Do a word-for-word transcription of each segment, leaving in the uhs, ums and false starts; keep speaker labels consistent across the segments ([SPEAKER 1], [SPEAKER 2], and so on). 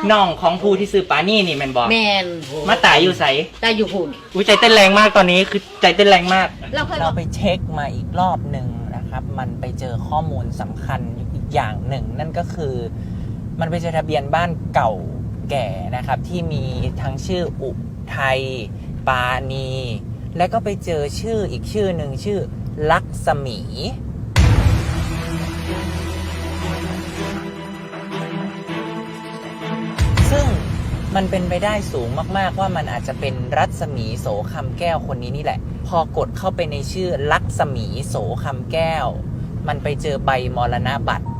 [SPEAKER 1] น้องของผู้ที่ซื้อปลานี่นี่แมนบอก
[SPEAKER 2] แมน
[SPEAKER 1] มาตายอยู่ใส
[SPEAKER 2] ได้อยู่หุ่น
[SPEAKER 1] อุ้ยใจเต้นแรงมากตอนนี้คือใจเต้นแรงมาก
[SPEAKER 2] เราเคย
[SPEAKER 1] เราไปเช็คมาอีกรอบหนึ่งนะครับ มันไปเจอข้อมูลสำคัญอีกอย่างหนึ่ง นั่นก็คือ มันไปเจอทะเบียนบ้านเก่าแก่นะครับ ที่มีทั้งชื่ออุทัยปานี และก็ไปเจอชื่ออีกชื่อหนึ่งชื่อลักษมี ซึ่งมันเป็นไปได้สูงมากๆว่ามันอาจจะเป็นรัศมีโสคำแก้วคนนี้นี่แหละ พอกดเข้าไปในชื่อลักษมีโสคำแก้ว มันไปเจอใบมรณบัตร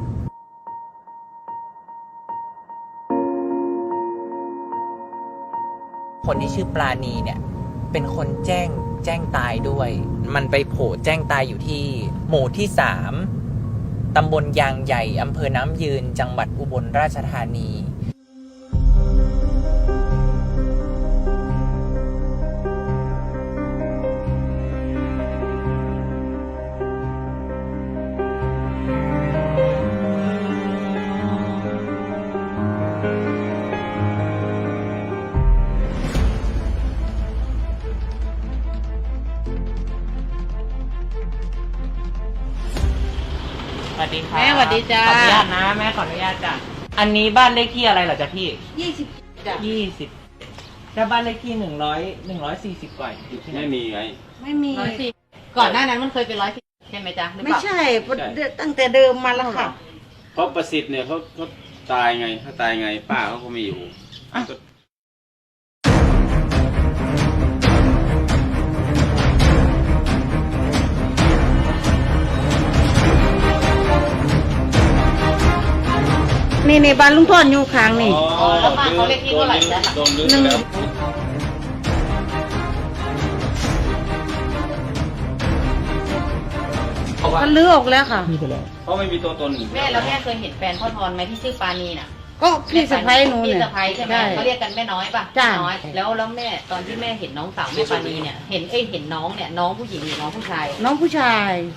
[SPEAKER 1] คนที่ชื่อปราณีเนี่ยเป็นคนแจ้งแจ้งตายด้วย มันไปโผล่แจ้งตายอยู่ที่หมู่ที่สามตำบลยางใหญ่อำเภอน้ำยืนจังหวัดอุบลราชธานีสวัสดีครับ
[SPEAKER 2] แม่สวัสดีจ้า
[SPEAKER 1] ขออนุญาตนะแม่ขออนุญาตจ้ะอันนี้บ้านเลขที่อะไรเหรอจ๊ะพี่
[SPEAKER 2] ยี่สิบจ้ะ
[SPEAKER 1] ยี่สิบแล้วบ้านเลขที่หนึ่งร้อยหนึ่งร้อยสี่สิบกว่าอยู่ที่ไหน
[SPEAKER 3] ไม่มีไง
[SPEAKER 4] ไม่มี
[SPEAKER 2] ร้อยสี่ก่อนหน้านั้นมันเคยเป็นร้อยสี่ใช่ไหมจ๊ะหรือเป
[SPEAKER 4] ไม่
[SPEAKER 2] ล่า
[SPEAKER 4] ใช่ตั้งแต่เดิมมาแล้วค่ะ
[SPEAKER 3] เพราะประสิทธิ์เนี่ยเขาเขาตายไงเขาตายไง ป้าเขาก็ไม่อยู่
[SPEAKER 1] อ่ะ
[SPEAKER 4] นี่ในบ้านลุงทอนอยู่ค้างนี่
[SPEAKER 2] อ๋อแล้วบ้านเขาเลขที่เท่าไหร่จ๊ะ
[SPEAKER 3] โดนลึก
[SPEAKER 4] หนึ่ง
[SPEAKER 3] แล้ว
[SPEAKER 4] ก็ลื้อออกแล้วค่ะ
[SPEAKER 1] พี่ไปแล้ว
[SPEAKER 3] เพราะไม่มีตัวตน
[SPEAKER 2] แม่แล้วแม่เคยเห็นแฟนพ่อทอนไหมที่ชื่อปานีน่ะ
[SPEAKER 4] ก็พี่สะพ้ายหนู
[SPEAKER 2] พี่
[SPEAKER 4] เนี่ย
[SPEAKER 2] สะพ้ายใช่ไหมเขาเรียกกันแม่น้อยป่ะ
[SPEAKER 4] จ้ะ
[SPEAKER 2] แม่น้อยแล้วแล้วแม่ตอนที่แม่เห็นน้องสาวแม่ปานีเนี่ยเห็นเอ้ยเห็นน้องเนี่ยน้องผู้หญิงหรือน้องผู้ชาย
[SPEAKER 4] น้องผู้ชาย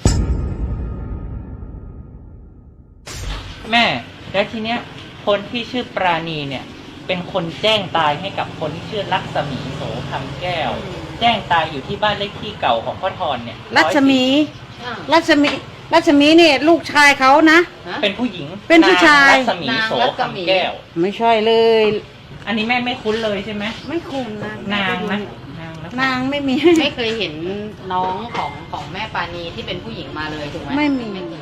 [SPEAKER 1] แม่แล้วทีเนี้ยคนที่ชื่อปราณีเนี่ยเป็นคนแจ้งตายให้กับคนที่ชื่อลักษมีโสคำแก้ว แจ้งตายอยู่ที่บ้านเลขที่เก่าของพ่อทอนเนี่ย
[SPEAKER 4] รัศมี
[SPEAKER 2] อ่า
[SPEAKER 4] รัศมี รัศมีเนี่ยลูกชายเขานะ
[SPEAKER 2] ฮะ
[SPEAKER 1] เป็นผู้หญิง
[SPEAKER 4] เป็นผู้ชาย
[SPEAKER 1] นงรัศมีโสคำแก้ว
[SPEAKER 4] ไม่ใช่เลย
[SPEAKER 1] อันนี้แม่ไม่คุ้นเลยใช่ไหม
[SPEAKER 4] ไม่คุ้นนะ
[SPEAKER 1] นางนะนางนะ
[SPEAKER 4] นางไม่มี
[SPEAKER 2] ไม่เคยเห็นน้องของของแม่ปานีที่เป็นผู้หญิงมาเลยถูกไหม
[SPEAKER 4] ไม่มี
[SPEAKER 2] เคย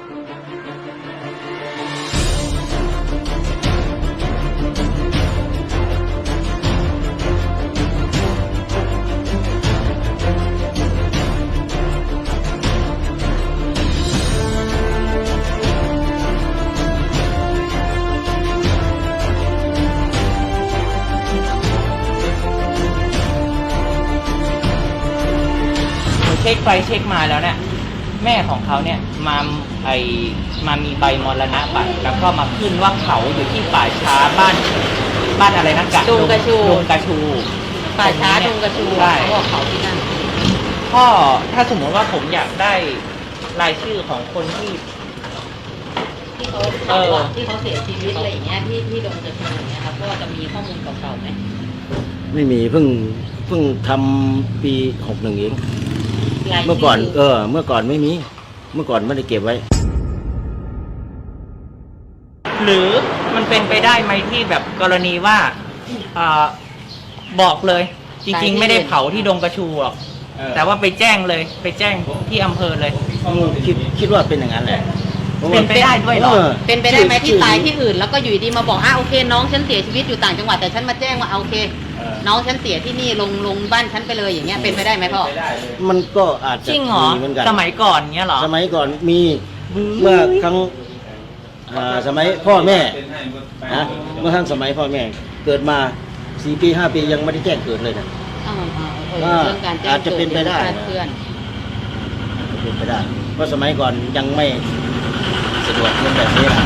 [SPEAKER 1] เช็คไปเช็คมาแล้วเนี่ยแม่ของเขาเนี่ยมาไอมามีใบมรณะบัตรแล้วก็มาขึ้นว่าเขาอยู่ที่ป่าช้าบ้านบ้านอะไรนะกะ
[SPEAKER 2] ดุงกระชู
[SPEAKER 1] ดุงกระชู
[SPEAKER 2] ป่าช้าดงกระชู
[SPEAKER 1] ใช่
[SPEAKER 2] เขาบอกเขาที่นั่น
[SPEAKER 1] พ่อถ้าสมมติว่าผมอยากได้รายชื่อของคนที่
[SPEAKER 2] ที่เขา
[SPEAKER 1] เออ
[SPEAKER 2] เขาอะที่เขาเสียชีวิตอะไรอย่างเงี้ยที่ที่ดงกระชูอย่างเงี้ยครับก็จะมีข้อมูลเก่าๆไหม
[SPEAKER 5] ไม่มีเพิ่งเพิ่งทำปีหกหนึ่งเอง
[SPEAKER 2] รายชื่
[SPEAKER 5] เมื่อก่อน เออ เมื่อก่อนไม่มี เมื่อก่อนไม่ได้เก็บไว้
[SPEAKER 1] หรือมันเป็นไปได้ไหมที่แบบกรณีว่าอ่าบอกเลย จริงๆ ไม่ได้เผาที่ดงกระชูหรอก
[SPEAKER 3] เออ
[SPEAKER 1] แต่ว่าไปแจ้งเลยไปแจ้งที่อำเภอเลย
[SPEAKER 5] คิดคิดว่าเป็นอย่างนั้นแหละพราะว่า
[SPEAKER 1] เป็นไปได้ด้วยเหรอ
[SPEAKER 2] เป็นไปได้ไหมที่
[SPEAKER 5] ชื่อ
[SPEAKER 2] ตายที่อื่นแล้วก็อยู่ดีมาบอกอ่ะโอเค น้องฉันเสียชีวิตอยู่ต่างจังหวัดแต่ฉันมาแจ้งว่าอ่ะโอเค
[SPEAKER 3] เออ
[SPEAKER 2] น้องฉันเสียที่นี่ลงลงบ้านฉันไปเลยอย่างเงี้ยเป็นไปได้ไหมพ่อ
[SPEAKER 3] ไม่ได้เลย
[SPEAKER 5] มันก็อาจจะ
[SPEAKER 1] จริงเหรอ
[SPEAKER 5] มีเหมือนกัน
[SPEAKER 1] สมัยก่อนเงี้ยเหรอ
[SPEAKER 5] สมัยก่อนมีเมื่อครั้งอ่าสมัยพ่อแม่นะเมื่อครั้งสมัยพ่อแม่ เกิดมาสี่ปีห้าปียังไม่ได้แจ้งเกิดเลยนะ
[SPEAKER 2] อ่าอ่าเออ
[SPEAKER 5] ว่า
[SPEAKER 2] เรื่องการแจ้ง
[SPEAKER 5] อาจจะเป็นไปได้
[SPEAKER 2] กิคลาเพื่อน
[SPEAKER 5] เป็นไปได้ เพราะสมัยก่อนยังไม่สะดวกเรื่องแบบนี้นะ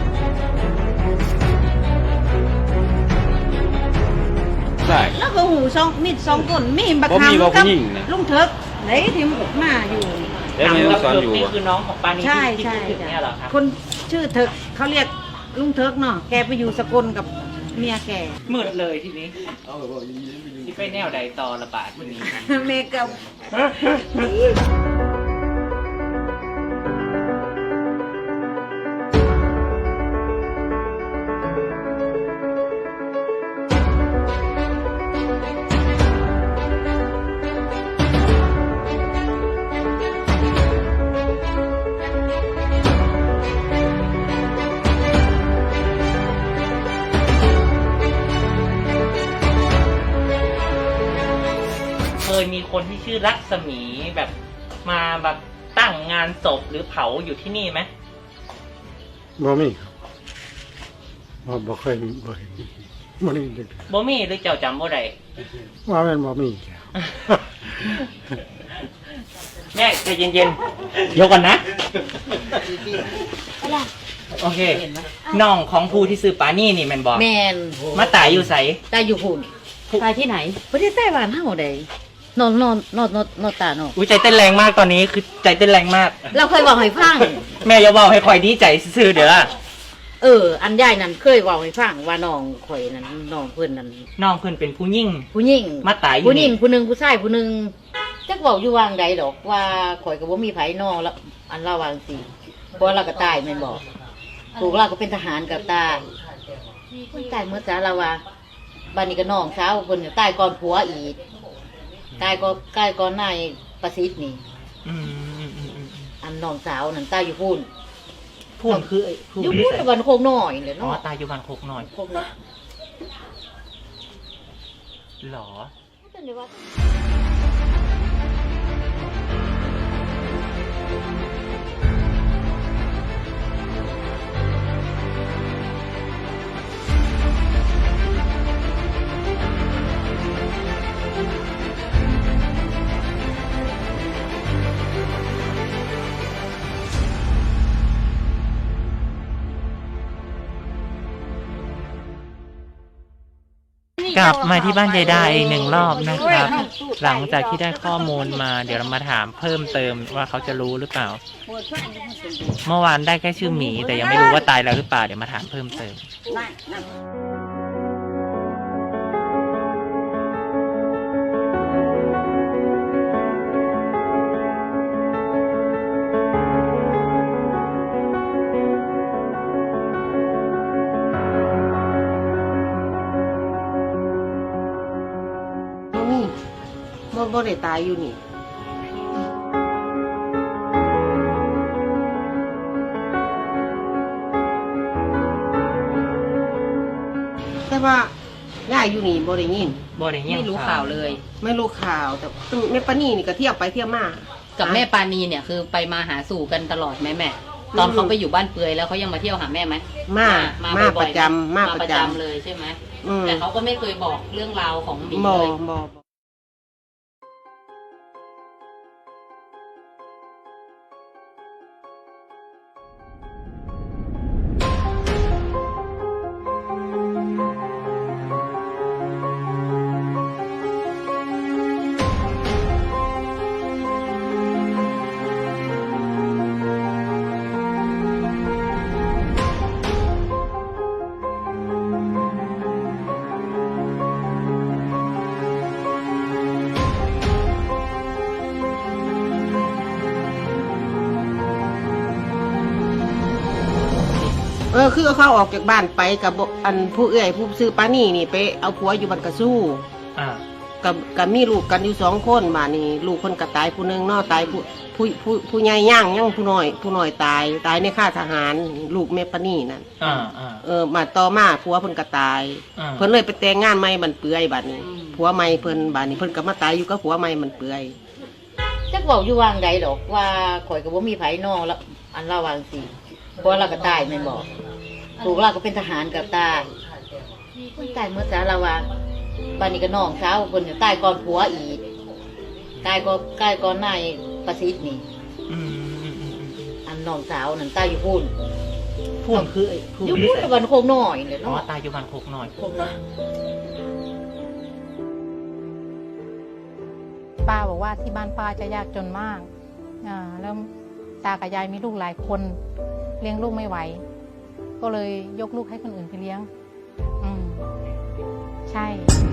[SPEAKER 1] ใช่
[SPEAKER 4] แล้วก็หูสองมีสองคนมีบัก
[SPEAKER 3] บ่มี
[SPEAKER 4] คำ
[SPEAKER 3] บ่
[SPEAKER 4] กั
[SPEAKER 3] ผู้หญิงนะ
[SPEAKER 4] ลุงเถิกไหนที่มันมาอยู่
[SPEAKER 3] แล้วไม่ต้องสอนอยู่
[SPEAKER 1] นี่
[SPEAKER 3] อะ
[SPEAKER 1] คือน้องของปานี
[SPEAKER 4] ใช่
[SPEAKER 1] ที่
[SPEAKER 4] ใช่
[SPEAKER 1] พูดถึงเนี่ยเหรอครับ
[SPEAKER 4] คนชื่อเถิกเขาเรียกลุงเถิกเนาะแกไปอยู่สกลกับเมียแก
[SPEAKER 1] มืดเลยทีนี้ที่ไปแนวใดต่อระบาดวันนี้
[SPEAKER 4] เมกับ
[SPEAKER 1] เคยมีคนที่ชื่อรัศมีแบบมาแบบตั้งงานศพหรือเผาอยู่ที่นี่ไหม
[SPEAKER 6] บ่มีครับบ่บ่เคยบ่เห็นบ่ได้ยินจักเทื่อ
[SPEAKER 1] บ่มีหรือเจ้าจำบ่ได้
[SPEAKER 6] ว่าแม่นบ่มีจ้ะ
[SPEAKER 1] แม่ใจเย็นๆเดี๋ยวก่อนนะ โอเคน้องของผู้ที่ซื้อปานี่นี่แมันบอก
[SPEAKER 2] แมน
[SPEAKER 1] มาตายอยู่ใส
[SPEAKER 2] ตายอยู่หุ่นตายที่ไหนประเทศไต้หวันเฮาใดนอนนอนนอนนอนนอนตาเนาะ
[SPEAKER 1] อุ้ยใจเต้นแรงมากตอนนี้คือใจเต้นแรงมาก
[SPEAKER 2] เราเคยบอกให้ฟัง
[SPEAKER 1] แม่อย่าบอกให้คอยดีใจซื่อๆเด้อ
[SPEAKER 2] เออ อันยายนั่นเคยบอกให้ฟังว่าน้องข่อยนั่นน้องเพิ่นนั่น
[SPEAKER 1] น้องเพิ่นเป็นผู้ยิ่ง
[SPEAKER 2] ผู้หญิง
[SPEAKER 1] มาตายอยู่
[SPEAKER 2] ผู้หญิง
[SPEAKER 1] นี่
[SPEAKER 2] ผู้หนึงผู้ชายผู้หนึงจักเว้าอยู่วางใดดอกว่าข่อยก็บ่มีไผน้องแล้วอันเราวาจังสิเพราะเราก็ตายแม่นบอกถูกเราก็เป็นทหารกับตายคนตายเมื่อจ้าเราว่าบ้านนี้ก็น้องสาวเพิ่นก็ตายก่อนผัวอีกตายก็ตายก่อนนายประสิทธิ์นี่
[SPEAKER 1] อืมอืมอืมอืม
[SPEAKER 2] อันน้องสาวนั่นตายอยู่พุ่น
[SPEAKER 1] พูดคือไอ้พูด
[SPEAKER 2] อยู่
[SPEAKER 1] ที่
[SPEAKER 2] พุ่น
[SPEAKER 1] ใส่
[SPEAKER 2] วันโคกน้อยเลย
[SPEAKER 1] อ๋อ
[SPEAKER 2] เนาะ
[SPEAKER 1] ตายอยู่บ้านโคกหน่อย
[SPEAKER 2] โคกน้อย
[SPEAKER 1] หรอ กลับมาที่บ้านยายดาอีกหนึ่งรอบนะครับ หลังจากที่ได้ข้อมูลมา เดี๋ยวเรามาถามเพิ่มเติมว่าเขาจะรู้หรือเปล่า เมื่อวานได้แค่ชื่อหมี แต่ยังไม่รู้ว่าตายแล้วหรือเปล่าเดี๋ยวมาถามเพิ่มเติม
[SPEAKER 7] บ่มีบ่บ่ได้ตายอยู่นี่ แต่ว่าย่ายอยู่นี่บ่ได้ยิน
[SPEAKER 1] บ่ได้ยิน
[SPEAKER 2] ไม่รู้ข่าวเลย
[SPEAKER 7] ไม่รู้ข่าวแต่แม่ปานี่นี่ก็เที่ยวไปเที่ยวมา
[SPEAKER 2] กับแม่ปานีเนี่ยคือไปมาหาสู่กันตลอดไหมแม่ ตอนเขาไปอยู่บ้านเปือยแล้วเขายังมาเที่ยวหาแม่ไหม
[SPEAKER 7] มา
[SPEAKER 2] มา
[SPEAKER 7] มา
[SPEAKER 2] บ่
[SPEAKER 7] ป
[SPEAKER 2] อย
[SPEAKER 7] ระ
[SPEAKER 2] ๆ
[SPEAKER 7] จำมา
[SPEAKER 2] มา
[SPEAKER 7] ป
[SPEAKER 2] ประ ระ
[SPEAKER 7] จ
[SPEAKER 2] จำเลยใช่ไหม
[SPEAKER 7] ำอืม
[SPEAKER 2] แต่เขาก็ไม่เคยบอกเรื่องราวของหมี
[SPEAKER 7] บ่
[SPEAKER 2] เลย
[SPEAKER 7] บ่ เออคือเขาออกจากบ้านไปกับบ่อันผู้เอื้อยผู้ซื้อปานี่นี่ไปเอาผัวอยู่บ้านกระสู้
[SPEAKER 1] อ่า
[SPEAKER 7] กับกับมีลูกกันอยู่สองคนบ้านนี้ลูกคนก็ตายผู้หนึงเนาะตายผู้ผู้ผู้ผู้ใหญ่ย่างย่างผู้น้อย ผู้น้อยตายตายในค่ายทหารลูกแม่ปานี่นั่น
[SPEAKER 1] อ่าอ่า
[SPEAKER 7] เออมาต่อมาผัวเพิ่นก็ตาย
[SPEAKER 1] อ่า
[SPEAKER 7] เพิ่นเลยไปแต่งงานใหม่บันเปื่อยบัดนี้ผัวใหม่เพิ่นบัดนี้เพิ่นก็มาตายอยู่กับผัวใหม่บันเปื่อย
[SPEAKER 2] จักเว้าอยู่วางใดดอกว่าข่อยก็บ่มีไผน้องแล้วอันเราวาจังสิเพราะเราก็ตายแม่นบอกถูกเราก็เป็นทหารกับตายคนตายเมื่อจ้าเราว่าบ้านนี้ก็น้องสาวเพิ่นก็ตายก่อนผัวอีกตายก็ตายก่อนนายประสิทธิ์นี่
[SPEAKER 1] อืมอืมอืมอืม
[SPEAKER 2] อันน้องสาวนั่นตายอยู่พุ่น
[SPEAKER 1] พูดคือไอ้พูด
[SPEAKER 2] อยู่
[SPEAKER 1] ที่
[SPEAKER 2] พุ่น
[SPEAKER 1] ใส่
[SPEAKER 2] วันโคกน้อยเลย
[SPEAKER 1] อ๋อ
[SPEAKER 2] เนาะ
[SPEAKER 1] ตายอยู่บ้านโคกหน่อย
[SPEAKER 2] โคกน้อย
[SPEAKER 8] ป้าบอกว่าที่บ้านป้าจะยากจนมากอ่าแล้วตากับยายมีลูกหลายคนเลี้ยงลูกไม่ไหวก็เลยยกลูกให้คนอื่นไปเลี้ยงอืมใช่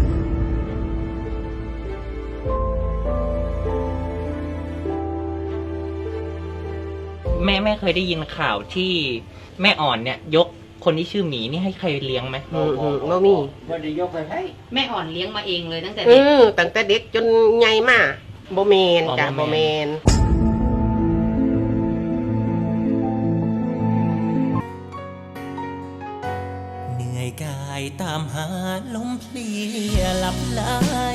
[SPEAKER 1] แม่แม่เคยได้ยินข่าวที่แม่อ่อนเนี่ย ยกคนที่ชื่อหมีนี่ให้ใครเลี้ยงไหม
[SPEAKER 7] อืมอืมบ่มี
[SPEAKER 5] บ่ได้ยกไปให้
[SPEAKER 2] แม่อ่อนเลี้ยงมาเองเลยตั้งแต่
[SPEAKER 7] เอ
[SPEAKER 2] เด็ก
[SPEAKER 7] อตั้งแต่เด็กจนใหญ่มาบ่แม่นจ้ะบ่แม่น
[SPEAKER 9] เหนื่อยกายตามหาลมเพลียหลับไหล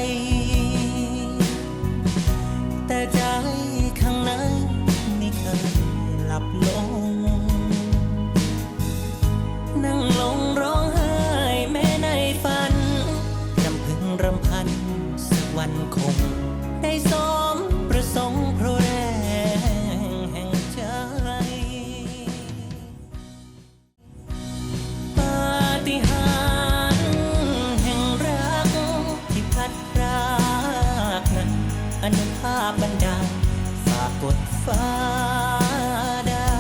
[SPEAKER 9] แต่ใจข้างในไม่เคยหลับลงนั่งลงร้องไห้แม้ในฝันรำพึงรำพันสักวันคงได้สมประสงค์เพราะแรงแห่งใจ ปาฏิหาริย์แห่งรักที่พัดพรากนั้นอนุภาพบันดาลฝากกดฟ้าได้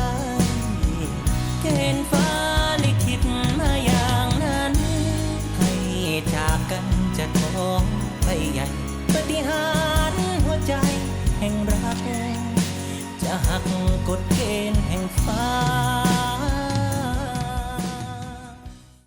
[SPEAKER 9] เกณฑ์ฟ้าลิขิตมาอย่างนั้น ให้จากกันจะท้องไปใหญ่ปาฏิหาริย์หัวใจแห่งรัก จะหักกฎเกณฑ์แห่งฟ้า